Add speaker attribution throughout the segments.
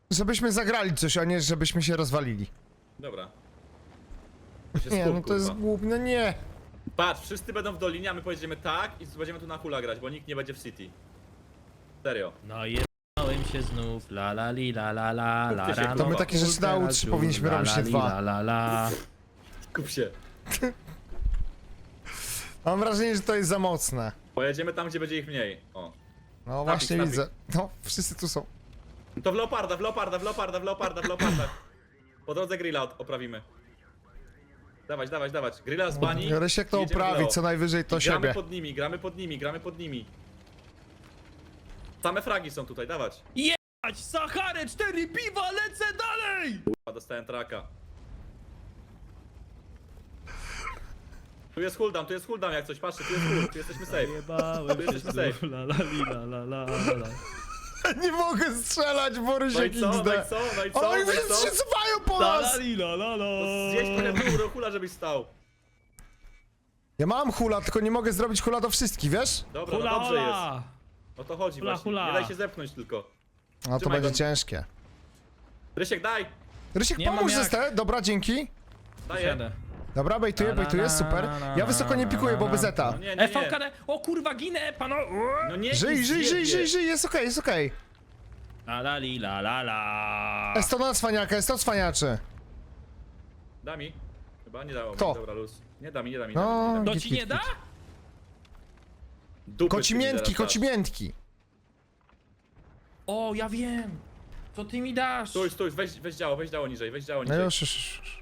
Speaker 1: Żebyśmy zagrali coś, a nie żebyśmy się rozwalili.
Speaker 2: Dobra.
Speaker 1: Nie, no to jest głupie, no nie.
Speaker 2: Patrz, wszyscy będą w dolinie, a my pojedziemy tak i będziemy tu na hula grać, bo nikt nie będzie w city. Serio.
Speaker 3: No jebałem się znów, la la li la la la la.
Speaker 2: Kupcie się,
Speaker 3: rano
Speaker 1: To my takie rzeczy na U3 powinniśmy robić, nie
Speaker 3: la
Speaker 1: dwa.
Speaker 3: la la.
Speaker 2: Kup się.
Speaker 1: Mam wrażenie, że to jest za mocne.
Speaker 2: Pojedziemy tam, gdzie będzie ich mniej. O.
Speaker 1: No właśnie
Speaker 2: snapik.
Speaker 1: widzę. No, wszyscy tu są.
Speaker 2: To w leoparda, w leoparda, w leoparda, w leoparda, w leoparda. Po drodze grilla oprawimy. Dawać, dawać, dawać. Grilla z bani.
Speaker 1: Rysiek to
Speaker 2: i jedziemy w
Speaker 1: oprawi,
Speaker 2: leo.
Speaker 1: co najwyżej to
Speaker 2: I gramy
Speaker 1: siebie.
Speaker 2: pod nimi, gramy pod nimi, gramy pod nimi. Same fragi są tutaj, dawać.
Speaker 3: Jebać, Sacharę, 4 piwa, lecę dalej!
Speaker 2: Kurwa, dostałem traka. Tu jest cooldown jak coś, patrzcie, tu jest cool, tu jesteśmy safe.
Speaker 3: Jebałem się
Speaker 2: Jesteśmy safe.
Speaker 3: znów, la la li la la la la.
Speaker 1: Nie mogę strzelać, bo
Speaker 2: No
Speaker 1: Rysiek
Speaker 2: i co, no i
Speaker 1: XD.
Speaker 2: co, no i co,
Speaker 1: Oni
Speaker 2: no i co?
Speaker 1: wszyscy się cofają po
Speaker 3: La la
Speaker 1: nas!
Speaker 3: li la la la.
Speaker 2: Zjeść trochę dół do hula, żebyś stał.
Speaker 1: Ja mam hula, tylko nie mogę zrobić hula do wszystkich, wiesz?
Speaker 2: Dobra,
Speaker 3: Hula
Speaker 2: no dobrze jest.
Speaker 3: hola.
Speaker 2: O to chodzi
Speaker 3: Hula,
Speaker 2: właśnie.
Speaker 3: hula.
Speaker 2: Nie daj się zepchnąć tylko.
Speaker 1: No to
Speaker 2: Trzymaj
Speaker 1: będzie
Speaker 2: go.
Speaker 1: ciężkie.
Speaker 2: Rysiek, daj!
Speaker 1: Rysiek,
Speaker 3: Nie mam
Speaker 1: pomóż
Speaker 3: jak.
Speaker 1: zestę, dobra, dzięki.
Speaker 2: Daję.
Speaker 3: Siadę.
Speaker 1: Dobra, bejtuję, super. Ja wysoko nie pikuję, bo bezeta.
Speaker 2: No nie, nie, nie.
Speaker 3: FVKD, o kurwa ginę, pano.
Speaker 2: No nie,
Speaker 1: Żyj,
Speaker 2: nic
Speaker 1: żyj,
Speaker 2: nie
Speaker 1: żyj,
Speaker 2: wie.
Speaker 1: żyj, żyj, jest okej, jest okej.
Speaker 3: La la li la la la.
Speaker 1: Jest to na cwaniaka, jest to cwaniaczy.
Speaker 2: Da mi. Chyba nie dało mi.
Speaker 1: Kto?
Speaker 2: Dobra, luz. Nie da mi, nie da mi.
Speaker 1: No.
Speaker 2: Nie da mi.
Speaker 3: To
Speaker 1: Git,
Speaker 3: ci
Speaker 1: git,
Speaker 3: nie da?
Speaker 2: Dupy
Speaker 1: Kocimiętki,
Speaker 2: ci zaraz
Speaker 1: kocimiętki.
Speaker 3: O, ja wiem. Co ty mi dasz?
Speaker 2: dasz. Stój, weź działo niżej, weź działo
Speaker 1: No
Speaker 2: niżej.
Speaker 1: już.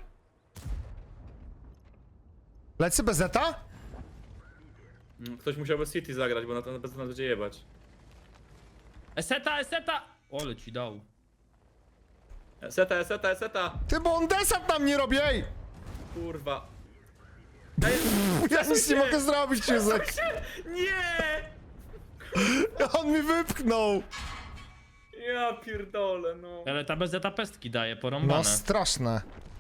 Speaker 1: Lecy bezeta?
Speaker 2: Ktoś musiał bez City zagrać, bo na to bez nas będzie jebać.
Speaker 3: Eseta, eseta. Ole ci dał.
Speaker 2: Seta.
Speaker 1: Ty, bo on desant nam nie robi, ej!
Speaker 2: Kurwa.
Speaker 1: Ja nic nie
Speaker 2: się!
Speaker 1: mogę zrobić, Józek.
Speaker 2: Nie!
Speaker 1: On mi wypchnął.
Speaker 2: Ja pierdolę, no.
Speaker 3: Ale ta bezeta pestki daje, porąbane.
Speaker 1: No straszne.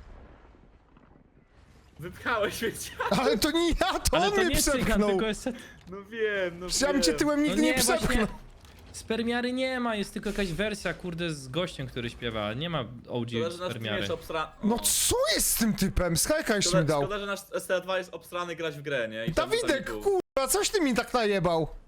Speaker 2: Wypchałeś mnie, dziad.
Speaker 1: Ale to nie ja, to
Speaker 3: Ale
Speaker 1: on
Speaker 3: to
Speaker 1: mnie
Speaker 3: nie cygan,
Speaker 1: przepchnął.
Speaker 3: tylko eseta.
Speaker 2: No wiem, no
Speaker 1: Ja bym cię
Speaker 2: wiem.
Speaker 1: tyłem nigdy nie przepchnął.
Speaker 3: właśnie. Spermiary nie ma, jest tylko jakaś wersja, kurde, z gościem, który śpiewa. Nie ma OG
Speaker 2: Szkoda, że nasz team
Speaker 3: spermiary.
Speaker 2: jest obsra...
Speaker 1: No co jest z tym typem? Skajka jeszcze mi dał.
Speaker 2: Szkoda, że nasz ST2 jest obstrany grać w grę, nie? I to by to nie
Speaker 1: Dawidek,
Speaker 2: było.
Speaker 1: kurwa, coś ty mi tak najebał.